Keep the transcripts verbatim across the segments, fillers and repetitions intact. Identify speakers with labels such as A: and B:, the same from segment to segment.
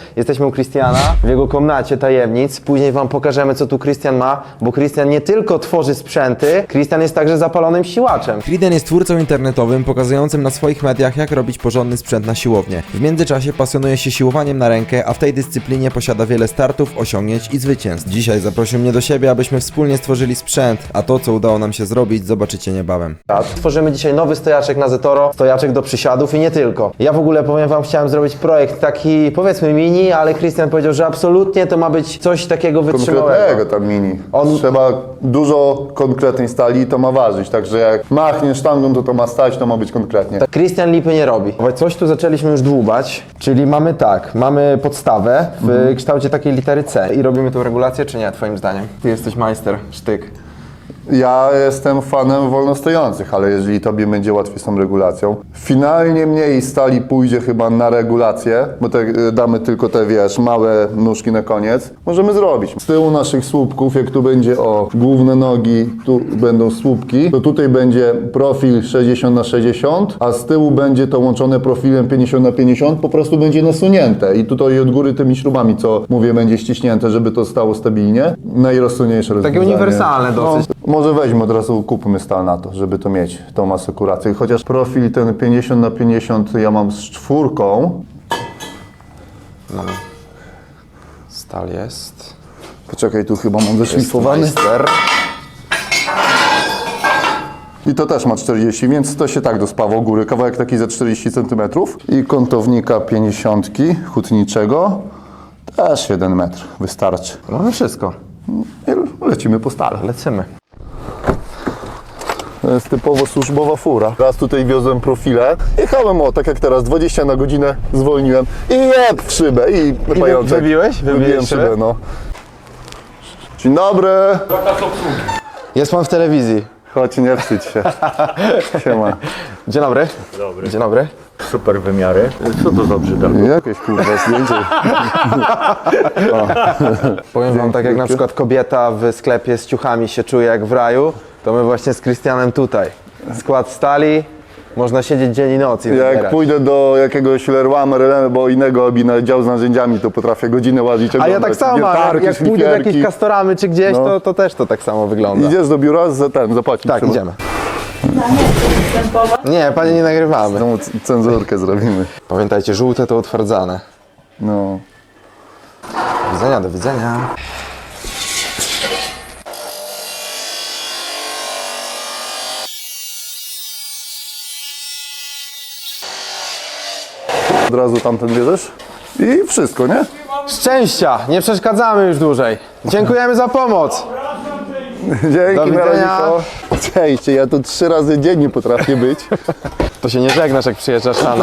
A: Jesteśmy u Christiana, w jego komnacie tajemnic. Później wam pokażemy, co tu Christian ma, bo Christian nie tylko tworzy sprzęty, Christian jest także zapalonym siłaczem.
B: Kriden jest twórcą internetowym pokazującym na swoich mediach, jak robić porządny sprzęt na siłownię. W międzyczasie pasjonuje się siłowaniem na rękę, a w tej dyscyplinie posiada wiele startów, osiągnięć i zwycięstw. Dzisiaj zaprosił mnie do siebie, abyśmy wspólnie stworzyli sprzęt, a to, co udało nam się zrobić, zobaczycie niebawem.
A: Tworzymy dzisiaj nowy stojaczek na Zetoro, stojaczek do przysiadów i nie tylko. Ja w ogóle powiem wam, chciałem zrobić projekt taki, powiedzmy mini, ale Christian powiedział, że absolutnie to ma być coś takiego wytrzymałego.
C: Konkretnego tam mini.
A: On-
C: Trzeba dużo konkretnej stali i to ma ważyć, także jak machniesz sztangą, to to ma stać, to ma być konkretnie.
A: Tak, Christian lipy nie robi. Coś tu zaczęliśmy już dłubać, czyli mamy tak, mamy podstawę w
C: Mhm.
A: kształcie takiej litery C. I robimy tą regulację, czy nie, twoim zdaniem? Ty jesteś majster, sztyk.
C: Ja jestem fanem wolnostojących, ale jeżeli tobie będzie łatwiej z tą regulacją, finalnie mniej stali pójdzie chyba na regulację, bo te, damy tylko te, wiesz, małe nóżki na koniec, możemy zrobić. Z tyłu naszych słupków, jak tu będzie o główne nogi, tu będą słupki, to tutaj będzie profil sześćdziesiąt na sześćdziesiąt, a z tyłu będzie to łączone profilem pięćdziesiąt na pięćdziesiąt, po prostu będzie nasunięte i tutaj od góry tymi śrubami, co mówię, będzie ściśnięte, żeby to stało stabilnie. Najrozsądniejsze rozwiązanie.
A: uniwersalne dosyć.
C: No, może weźmy od razu, kupmy stal na to, żeby to mieć, tą asekurację. Chociaż profil ten pięćdziesiąt na pięćdziesiąt ja mam z czwórką.
A: Stal jest.
C: Poczekaj, tu chyba mam wyszlifowany.
A: Majster.
C: I to też ma czterdzieści, więc to się tak dospawa u góry. Kawałek taki za czterdzieści centymetrów. I kątownika pięćdziesiątki hutniczego. Też jeden metr wystarczy.
A: Mamy wszystko.
C: I lecimy po stale.
A: Lecimy.
C: To jest typowo służbowa fura. Raz tutaj wiozłem profile. Jechałem o, tak jak teraz, dwadzieścia na godzinę zwolniłem i jeb w szybę i pajączek.
A: wybiłeś? Wybiłeś
C: Wybiłem
A: szybę?
C: szybę, no. Dzień dobry.
A: Jest pan w telewizji.
C: Chodź, nie wstydź się. Siema.
A: Dzień dobry. Dobry. Dzień dobry.
D: Super wymiary. Co to za brzydal?
C: Jakieś kurwa zdjęcie.
A: Powiem wam, tak jak na przykład kobieta w sklepie z ciuchami się czuje jak w raju, to my właśnie z Christianem tutaj. Skład stali, można siedzieć dzień i noc i
C: Jak
A: wybierać.
C: pójdę do jakiegoś Leroy Merlin albo innego obi na dział z narzędziami, to potrafię godzinę łazić.
A: A ja tak samo mam, jak, jak pójdę do jakiejś Castoramy czy gdzieś,
C: No.
A: to, to też to tak samo wygląda.
C: Idziesz do biura, za ten, zapłacić
A: Tak,
C: trzeba.
A: idziemy. Nie, panie nie nagrywamy.
C: Tą c- cenzurkę zrobimy.
A: Pamiętajcie, żółte to utwardzane.
C: No.
A: Do widzenia, do widzenia.
C: Od razu tamten bierzesz i wszystko, nie?
A: Szczęścia, nie przeszkadzamy już dłużej. Dziękujemy za pomoc.
C: Dzięki,
A: Do widzenia.
C: Mironiko. Cześć, ja tu trzy razy dziennie potrafię być.
A: To się nie żegnasz, jak przyjeżdżasz rano.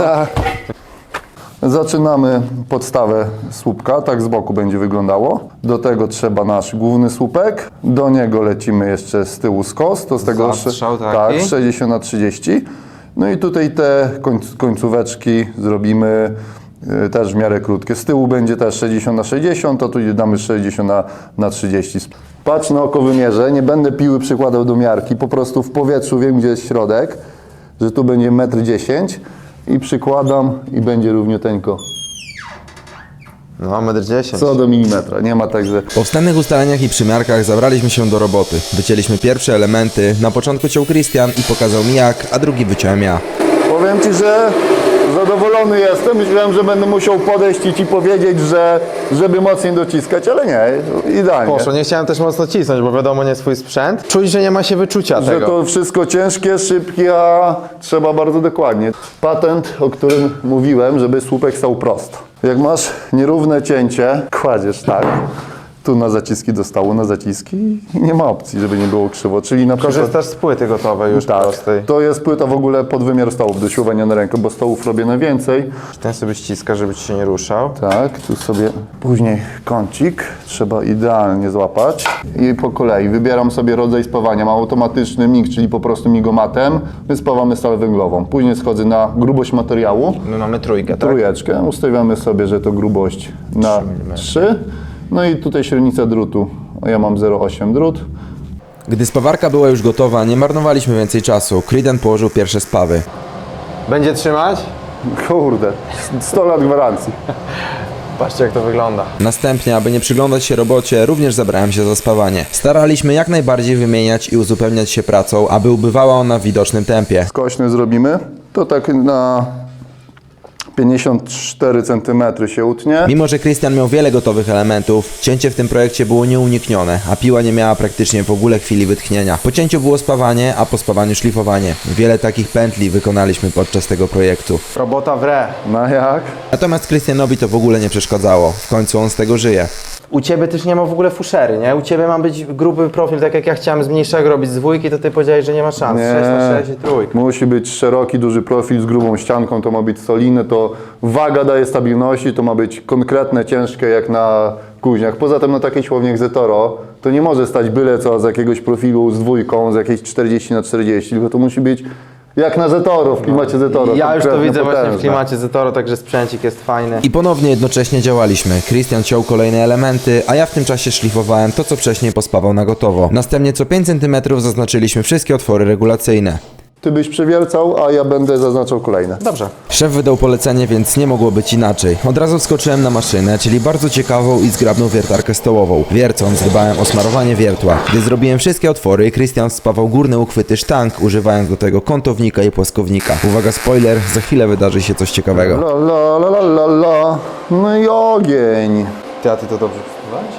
C: Zaczynamy podstawę słupka, tak z boku będzie wyglądało. Do tego trzeba nasz główny słupek. Do niego lecimy jeszcze z tyłu skos, to z tego
A: Zastrzał taki.
C: tak, sześćdziesiąt na trzydzieści. No i tutaj te końc, końcóweczki zrobimy y, też w miarę krótkie. Z tyłu będzie też sześćdziesiąt na sześćdziesiąt, a tu damy sześćdziesiąt na trzydzieści. Patrz na oko wymierzę, nie będę piły przykładał do miarki, po prostu w powietrzu wiem, gdzie jest środek, że tu będzie metr dziesięć i przykładam i będzie równiuteńko.
A: No, metr dziesięć.
C: Co do milimetra, nie ma tak, że...
B: Po wstępnych ustaleniach i przymiarkach zabraliśmy się do roboty. Wycięliśmy pierwsze elementy, na początku ciął Christian i pokazał mi jak, a drugi wyciąłem ja.
C: Powiem Ci, że zadowolony jestem. Myślałem, że będę musiał podejść i Ci powiedzieć, że żeby mocniej dociskać, ale nie, idealnie.
A: Poszło, nie chciałem też mocno cisnąć, bo wiadomo, nie swój sprzęt. Czuć, że nie ma się wyczucia
C: Że
A: tego.
C: to wszystko ciężkie, szybkie, a trzeba bardzo dokładnie. Patent, o którym mówiłem, żeby słupek stał prosto. Jak masz nierówne cięcie, kładziesz tak, tu na zaciski do stołu, na zaciski i nie ma opcji, żeby nie było krzywo. Czyli na przykład...
A: Korzystasz z płyty gotowej już
C: Tak,
A: prostej.
C: to jest płyta w ogóle pod wymiar stołów do siłowania na rękę, bo stołów robię najwięcej.
A: Ten sobie ściska, żeby ci się nie ruszał.
C: Tak, tu sobie później kącik trzeba idealnie złapać i po kolei wybieram sobie rodzaj spawania. Mam automatyczny mig, czyli po prostu migomatem. My spawamy stal węglową. Później schodzę na grubość materiału,
A: My mamy trójkę, tak?
C: trójeczkę. Ustawiamy sobie, że to grubość na trzy. No i tutaj średnica drutu. Ja mam zero przecinek osiem drut.
B: Gdy spawarka była już gotowa, nie marnowaliśmy więcej czasu. Kriden położył pierwsze spawy.
A: Będzie trzymać?
C: Kurde, sto lat gwarancji.
A: Patrzcie jak to wygląda.
B: Następnie, aby nie przyglądać się robocie, również zabrałem się za spawanie. Staraliśmy jak najbardziej wymieniać i uzupełniać się pracą, aby ubywała ona w widocznym tempie.
C: Skośny zrobimy, to tak na pięćdziesiąt cztery centymetry się utnie.
B: Mimo, że Krystian miał wiele gotowych elementów, cięcie w tym projekcie było nieuniknione, a piła nie miała praktycznie w ogóle chwili wytchnienia. Po cięciu było spawanie, a po spawaniu szlifowanie. Wiele takich pętli wykonaliśmy podczas tego projektu.
A: Robota w re.
C: No jak?
B: Natomiast Krystianowi to w ogóle nie przeszkadzało. W końcu on z tego żyje.
A: U Ciebie też nie ma w ogóle fuszery, nie? U Ciebie ma być gruby profil, tak jak ja chciałem z mniejszego robić z dwójki, to Ty powiedziałeś, że nie ma szans.
C: Nie.
A: sześć na sześć i trójka.
C: Musi być szeroki, duży profil z grubą ścianką, to ma być solidne, to waga daje stabilności, to ma być konkretne, ciężkie jak na kuźniach. Poza tym na takiej siłowni jak Zetoro to nie może stać byle co z jakiegoś profilu z dwójką, z jakiejś czterdzieści na czterdzieści, tylko to musi być jak na Zetoro, w klimacie Zetoro.
A: Ja już to
C: konkretne,
A: widzę właśnie w
C: potężne.
A: klimacie Zetoro, także sprzęcik jest fajny.
B: I ponownie jednocześnie działaliśmy. Krystian ciął kolejne elementy, a ja w tym czasie szlifowałem to, co wcześniej pospawał na gotowo. Następnie co pięć centymetrów zaznaczyliśmy wszystkie otwory regulacyjne.
C: Ty byś przewiercał, a ja będę zaznaczał kolejne.
A: Dobrze.
B: Szef wydał polecenie, więc nie mogło być inaczej. Od razu wskoczyłem na maszynę, czyli bardzo ciekawą i zgrabną wiertarkę stołową. Wiercąc, dbałem o smarowanie wiertła. Gdy zrobiłem wszystkie otwory, Krystian spawał górne uchwyty sztang, używając do tego kątownika i płaskownika. Uwaga, spoiler, za chwilę wydarzy się coś ciekawego.
C: La la la la la la. No i ogień.
A: Ty, a Ty to dobrze wpływałeś?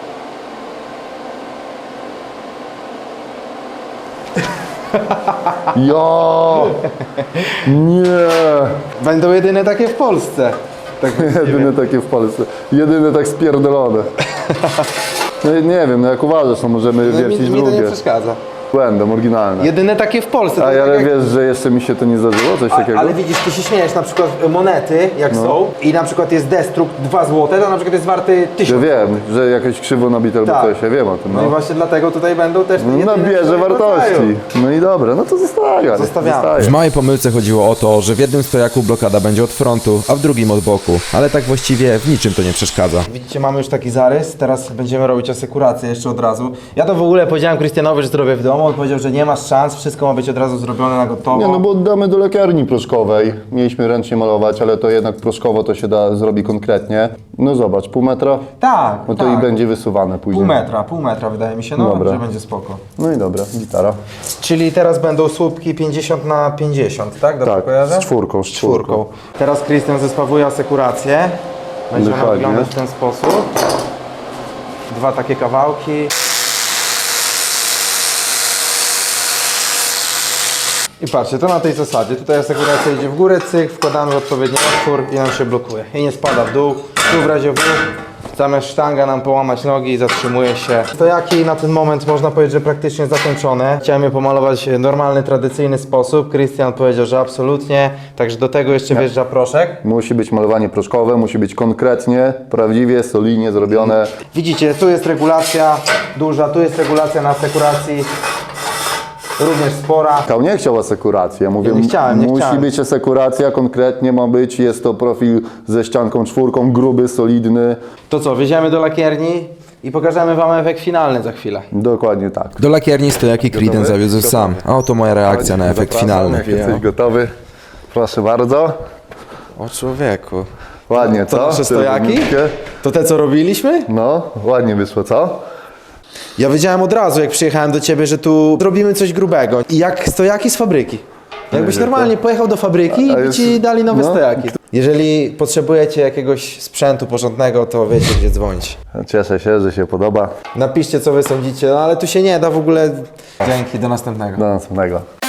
C: Ja! Nie!
A: Będą jedyne takie w Polsce. Tak
C: Jedyne takie w Polsce. Jedyne tak spierdolone. No i nie wiem, no jak uważasz, no możemy
A: no, mi,
C: wiercić
A: mi to nie
C: drugie.
A: przeszkadza.
C: Błędem, oryginalne.
A: Jedyne takie w Polsce.
C: A
A: to
C: ja
A: tak
C: ale
A: jak-
C: wiesz, że jeszcze mi się to nie zdarzyło, coś
A: A,
C: takiego?
A: ale widzisz, ty się śmiejesz, na przykład monety, jak
C: No.
A: są, i na przykład jest destrukt dwa złote, to na przykład jest warty
C: Ja
A: tysiąc.
C: wiem, że jakieś krzywo nabite albo
A: Tak.
C: coś, ja wiem o tym.
A: No i
C: No,
A: właśnie dlatego tutaj będą też te
C: no
A: jedyne
C: nabierze
A: swojego
C: wartości.
A: rodzaju.
C: No i dobra, no to zostawiam.
A: Zostawiamy.
B: W małej pomyłce chodziło o to, że w jednym stojaku blokada będzie od frontu, a w drugim od boku. Ale tak właściwie w niczym to nie przeszkadza.
A: Widzicie, mamy już taki zarys, teraz będziemy robić asekurację jeszcze od razu. Ja to w ogóle powiedziałem Krystianowi, że zrobię w domu, on powiedział, że nie masz szans, wszystko ma być od razu zrobione na gotowo.
C: Nie, no bo oddamy do lekarni proszkowej. Mieliśmy ręcznie malować, ale to jednak proszkowo to się da zrobi konkretnie. No zobacz, pół metra?
A: Tak,
C: No to
A: tak.
C: i będzie wysuwane później.
A: Pół metra, pół metra wydaje mi się, no,
C: Dobra.
A: że będzie spoko.
C: No i dobra, gitara.
A: Czyli teraz będą słupki pięćdziesiąt na pięćdziesiąt, tak? Dobrze
C: Tak,
A: kojarzę?
C: z czwórką, z
A: Z czwórką. Teraz Krystian zespawuje asekurację. Będzie ona
C: Dokładnie.
A: wyglądać w ten sposób. Dwa takie kawałki. I patrzcie, to na tej zasadzie. Tutaj asekuracja idzie w górę, cyk, wkładamy w odpowiedni otwór i on się blokuje. I nie spada w dół. Tu w razie W zamiast sztanga nam połamać nogi i zatrzymuje się. Stojaki na ten moment można powiedzieć, że praktycznie zakończone. Chciałem je pomalować w normalny, tradycyjny sposób. Krystian powiedział, że absolutnie. Także do tego jeszcze wjeżdża proszek.
C: Musi być malowanie proszkowe, musi być konkretnie, prawdziwie, solidnie zrobione.
A: Widzicie, tu jest regulacja duża, tu jest regulacja na asekuracji. Również spora.
C: Kał nie chciał asekuracji, ja mówię,
A: Ja nie chciałem, nie
C: musi
A: chciałem.
C: być asekuracja, konkretnie ma być, jest to profil ze ścianką czwórką, gruby, solidny.
A: To co, wjedziemy do lakierni i pokażemy Wam efekt finalny za chwilę.
C: Dokładnie tak.
B: Do lakierni stojaki Creedence zawiózł sam, a oto moja reakcja na efekt
C: Zapraszam,
B: finalny.
C: Jak jesteś gotowy, proszę bardzo.
B: O człowieku.
C: Ładnie, co?
A: To nasze
C: Te
A: stojaki?
C: równiutkie.
A: To te co robiliśmy?
C: No, ładnie wyszło, co?
A: Ja wiedziałem od razu, jak przyjechałem do Ciebie, że tu robimy coś grubego. I jak stojaki z fabryki. Jakbyś
C: Że to-
A: normalnie pojechał do fabryki
C: A
A: i by
C: jest-
A: Ci dali nowe
C: no.
A: stojaki. Jeżeli potrzebujecie jakiegoś sprzętu porządnego, to wiecie, gdzie dzwonić.
C: Cieszę się, że się podoba.
A: Napiszcie, co Wy sądzicie, no ale tu się nie da w ogóle. Dzięki, do następnego.
C: Do następnego.